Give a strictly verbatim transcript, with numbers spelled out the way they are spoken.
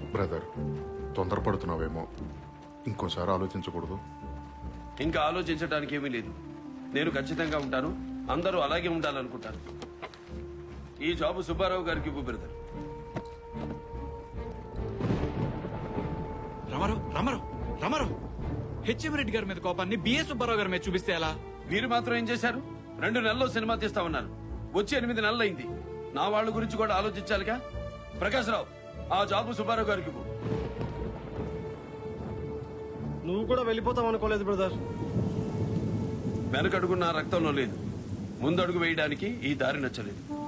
Brother, తొందరపడుతున్నావేమో, ఇంకోసారి ఆలోచించకూడదు. ఇంకా ఆలోచించడానికి ఏమీ లేదు. నేను ఖచ్చితంగా ఉంటాను, అందరూ అలాగే ఉండాలనుకుంటాను. ఈ జాబు సుబ్బారావు గారికి ఇవ్వు బ్రదర్. రామారావు రామారావు రామారావు హెచ్ఎం రెడ్డి గారి మీద కోపాన్ని బిఎస్ సుబ్బారావు గారి మీద చూపిస్తే ఎలా? మీరు మాత్రం ఏం చేశారు? రెండు నెలల్లో సినిమా తీస్తామన్నారు, వచ్చి ఎనిమిది నెలలు అయింది. నా వాళ్ళ గురించి కూడా ఆలోచించాలిగా. ప్రకాశ్రావు, ఆ జాబు సుబ్బారావు గారికి ఇవ్వు. నువ్వు కూడా వెళ్ళిపోతావు అనుకోలేదు బ్రదర్. వెనకడుగు నా రక్తంలో లేదు, ముందడుగు వేయడానికి ఈ దారి నచ్చలేదు.